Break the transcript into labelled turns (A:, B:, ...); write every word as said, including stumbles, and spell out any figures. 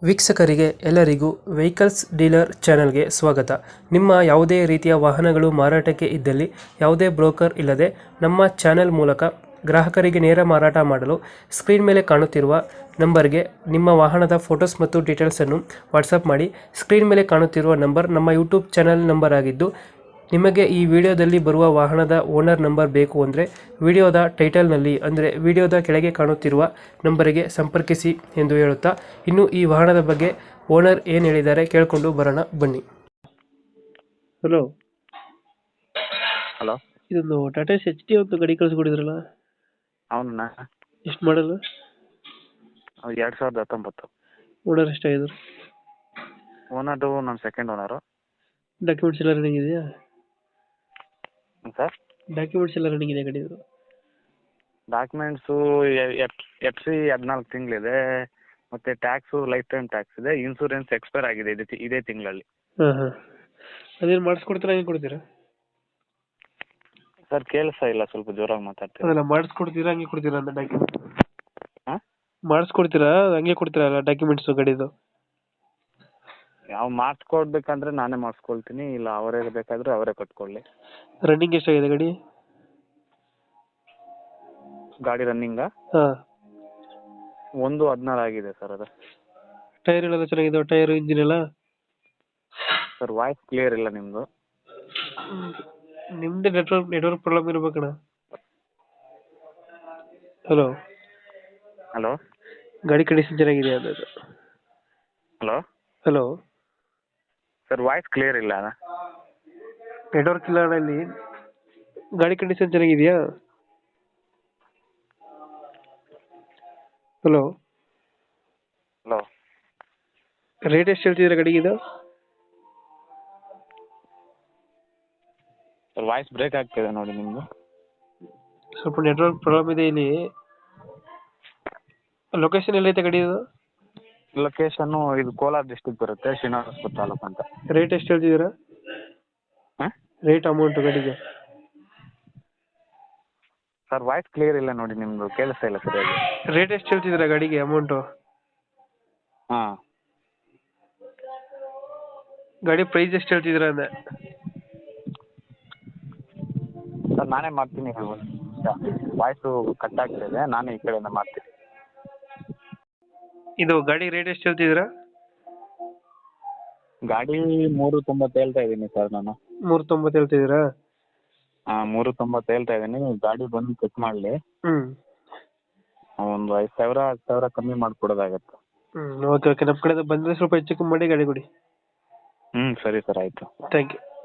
A: ವೀಕ್ಷಕರಿಗೆ ಎಲ್ಲರಿಗೂ vehicles dealer ಚಾನೆಲ್ಗೆ ಸ್ವಾಗತ. ನಿಮ್ಮ ಯಾವುದೇ ರೀತಿಯ ವಾಹನಗಳು ಮಾರಾಟಕ್ಕೆ ಇದ್ದಲ್ಲಿ ಯಾವುದೇ ಬ್ರೋಕರ್ ಇಲ್ಲದೆ ನಮ್ಮ ಚಾನೆಲ್ ಮೂಲಕ ಗ್ರಾಹಕರಿಗೆ ನೇರ ಮಾರಾಟ ಮಾಡಲು ಸ್ಕ್ರೀನ್ ಮೇಲೆ ಕಾಣುತ್ತಿರುವ ನಂಬರ್ಗೆ ನಿಮ್ಮ ವಾಹನದ ಫೋಟೋಸ್ ಮತ್ತು ಡೀಟೇಲ್ಸನ್ನು ವಾಟ್ಸಪ್ ಮಾಡಿ. ಸ್ಕ್ರೀನ್ ಮೇಲೆ ಕಾಣುತ್ತಿರುವ ನಂಬರ್ ನಮ್ಮ ಯೂಟ್ಯೂಬ್ ಚಾನೆಲ್ ನಂಬರ್ ಆಗಿದ್ದು, ನಿಮಗೆ ಈ ವಿಡಿಯೋದಲ್ಲಿ ಬರುವ ವಾಹನದ ಓನರ್ ನಂಬರ್ ಬೇಕು ಅಂದರೆ ವಿಡಿಯೋದ ಟೈಟಲ್ನಲ್ಲಿ ಅಂದರೆ ವಿಡಿಯೋದ ಕೆಳಗೆ ಕಾಣುತ್ತಿರುವ ನಂಬರಿಗೆ ಸಂಪರ್ಕಿಸಿ ಎಂದು ಹೇಳುತ್ತಾ, ಇನ್ನು ಈ ವಾಹನದ ಬಗ್ಗೆ ಓನರ್ ಏನು ಹೇಳಿದ್ದಾರೆ ಕೇಳಿಕೊಂಡು ಬರೋಣ ಬನ್ನಿ. ಹಲೋ
B: ಹಲೋ,
A: ಇದೊಂದು ಟಾಟಾ ಎಚ್ ಡಿ ಒಂದು ಗಾಡಿ ಕಳಿಸ್ಕೊಡಿದ್ರಲ್ಲ,
B: ಅವನ್ನ
A: ಎಷ್ಟು ಮಾಡಲ್ಲ?
B: ಎರಡು ಸಾವಿರದ ಹತ್ತೊಂಬತ್ತು.
A: ಓನರ್ ಎಷ್ಟಾಗಿದ್ರು?
B: ಓನರು ನಮ್ಮ ಸೆಕೆಂಡ್ ಓನರು.
A: ಡಾಕ್ಯುಮೆಂಟ್ಸ್ ಎಲ್ಲ ರನ್ನಿಂಗ್ ಇದೆಯಾ?
B: ಸರ್,
A: ಡಾಕ್ಯುಮೆಂಟ್ಸ್ ಎಲ್ಲ ರನ್ನಿಂಗ್ ಇದೆ ಗಾಡಿದು?
B: ಡಾಕ್ಯುಮೆಂಟ್ಸು ಎಫ್ ಸಿ ಹದಿನಾಲ್ಕು ತಿಂಗಳಿದೆ, ಮತ್ತು ಟ್ಯಾಕ್ಸು ಲೈಫ್ ಟೈಮ್ ಟ್ಯಾಕ್ಸ್ ಇದೆ, ಇನ್ಸೂರೆನ್ಸ್ ಎಕ್ಸ್ಪೈರ್ ಆಗಿದೆ ಇದೇ ತಿ- ಇದೇ ತಿಂಗಳಲ್ಲಿ.
A: ಹಾಂ ಹಾಂ ಅದೇನು ಮಾಡಿಸ್ಕೊಡ್ತೀರಾ, ಹೆಂಗೆ ಕೊಡ್ತೀರಾ?
B: ಸರ್ ಕೇಳಿಸ್ತಾ ಇಲ್ಲ, ಸ್ವಲ್ಪ ಜೋರಾಗಿ ಮಾತಾಡ್ತೀವಿ.
A: ಅದೆಲ್ಲ ಮಾಡಿಸ್ಕೊಡ್ತೀರಾ ಹಂಗೆ ಕೊಡ್ತೀರಾ ಅಂತ ಡಾಕ್ಯುಮೆಂಟ್?
B: ಹಾಂ,
A: ಮಾಡಿಸ್ಕೊಡ್ತೀರಾ ಹಂಗೆ ಕೊಡ್ತೀರಾ ಡಾಕ್ಯುಮೆಂಟ್ಸು ಗಾಡಿದು?
B: ಯಾವ ಮಾಡಿಸ್ಕೊಡ್ಬೇಕಂದ್ರೆ ನಾನೇ ಮಾಡಿಸ್ಕೊಳ್ತೀನಿ, ಇಲ್ಲ ಅವರೇ ಬೇಕಾದರೆ ಅವರೇ ಕೊಟ್ಕೊಳ್ಳಿ.
A: ರನ್ನಿಂಗ್ ಎಷ್ಟಾಗಿದೆ ಗಾಡಿ?
B: ಗಾಡಿ ರನ್ನಿಂಗಾ
A: ಹಾಂ.
B: ಒಂದು ಹದಿನಾರು ಆಗಿದೆ ಸರ್. ಅದು
A: ಟೈರ್ ಎಲ್ಲ ಚೆನ್ನಾಗಿದೆ? ಟೈರ್ ಇಂಜಿನ್ ಎಲ್ಲ?
B: ಸರ್ ವಾಯ್ಸ್ ಕ್ಲಿಯರ್ ಇಲ್ಲ ನಿಮ್ಮದು.
A: ನಿಮ್ದೇ ನೆಟ್ವರ್ಕ್ ನೆಟ್ವರ್ಕ್ ಪ್ರಾಬ್ಲಮ್ ಇರ್ಬೇಕಣ್ಣ. ಹಲೋ,
B: ಹಲೋ
A: ಗಾಡಿ ಕಂಡೀಷನ್ ಚೆನ್ನಾಗಿದೆ ಅದು?
B: Hello
A: hello,
B: sir voice clear ಇಲ್ಲ.
A: ನೆಟ್ವರ್ಕ್ ಇಲ್ಲ ಅಣ್ಣ ಇಲ್ಲಿ. ಗಾಡಿ ಕಂಡೀಷನ್ ಚೆನ್ನಾಗಿದೆಯಾ? ಹಲೋ,
B: ಹಲೋ
A: ರೇಟ್ ಎಷ್ಟು ಹೇಳ್ತಿದ್ದೀರಾ ಗಾಡಿಗೆ ಇದು?
B: ಸರ್ ವಾಯ್ಸ್ ಬ್ರೇಕ್ ಆಗ್ತಿದೆ ನೋಡಿ ನಿಮ್ಮದು.
A: ಸ್ವಲ್ಪ ನೆಟ್ವರ್ಕ್ ಪ್ರಾಬ್ಲಮ್ ಇದೆ ಇಲ್ಲಿ. ಲೊಕೇಶನ್ ಎಲ್ಲೈತೆ ಗಾಡಿ ಇದು?
B: ಲೊಕೇಶನ್ನು ಇದು ಕೋಲಾರ ಡಿಸ್ಟಿಕ್ ಬರುತ್ತೆ, ಶ್ರೀನಿವಾಸಪುರ ತಾಲೂಕು ಅಂತ.
A: ರೇಟ್ ಎಷ್ಟು ಹೇಳ್ತಿದ್ದೀರಾ?
B: ಹಾಂ
A: ರೇಟ್ ಅಮೌಂಟ್ ಗಾಡಿಗೆ?
B: ಸರ್ ವಾಯ್ಸ್ ಕ್ಲಿಯರ್ ಇಲ್ಲ ನೋಡಿ ನಿಮ್ಮದು, ಕೇಳಿಸ್ತಾ ಇಲ್ಲ ಸರಿಯಾಗಿ.
A: ರೇಟ್ ಎಷ್ಟು ಹೇಳ್ತಿದ್ದೀರಾ ಗಾಡಿಗೆ ಅಮೌಂಟು?
B: ಹಾಂ,
A: ಗಾಡಿ ಪ್ರೈಸ್ ಎಷ್ಟು ಹೇಳ್ತಿದ್ದೀರಾ ಅಂದೆ?
B: ಸರ್ ನಾನೇ ಮಾಡ್ತೀನಿ, ವಾಯ್ಸು ಕಟ್ ಆಗ್ತಿದೆ, ನಾನೇ ಈ ಕಡೆಯಿಂದ ಮಾಡ್ತೀನಿ.
A: ಇದು ಗಾಡಿ ರೇಟ್ ಎಷ್ಟು ಹೇಳ್ತಿದ್ದೀರಾ?
B: ಗಾಡಿ ಮೂರು ತೊಂಬತ್ತು ಹೇಳ್ತಾ ಇದ್ದೀನಿ ಸರ್ ನಾನು.
A: ಮೂರು ತೊಂಬತ್ತು ಹೇಳ್ತಿದ್ದೀರಾ?
B: ಹಾಂ, ಮೂರು ತೊಂಬತ್ತು ಹೇಳ್ತಾ ಇದ್ದೀನಿ. ಗಾಡಿ ಬಂದು ಚೆಕ್ ಮಾಡಲಿ,
A: ಹ್ಞೂ
B: ಒಂದು ಐದು ಸಾವಿರ ಹತ್ತು ಸಾವಿರ ಕಮ್ಮಿ ಮಾಡಿಕೊಡೋದಾಗತ್ತೆ.
A: ಹ್ಞೂ ಓಕೆ ಓಕೆ ನಮ್ಮ ಕಡೆಯಿಂದ ಬಂದರೆ ಸ್ವಲ್ಪ ಹೆಚ್ಚು ಕಮ್ಮಿ ಮಾಡಿ ಗಾಡಿ ಕೊಡಿ.
B: ಹ್ಞೂ ಸರಿ ಸರ್, ಆಯಿತು.
A: Thank you.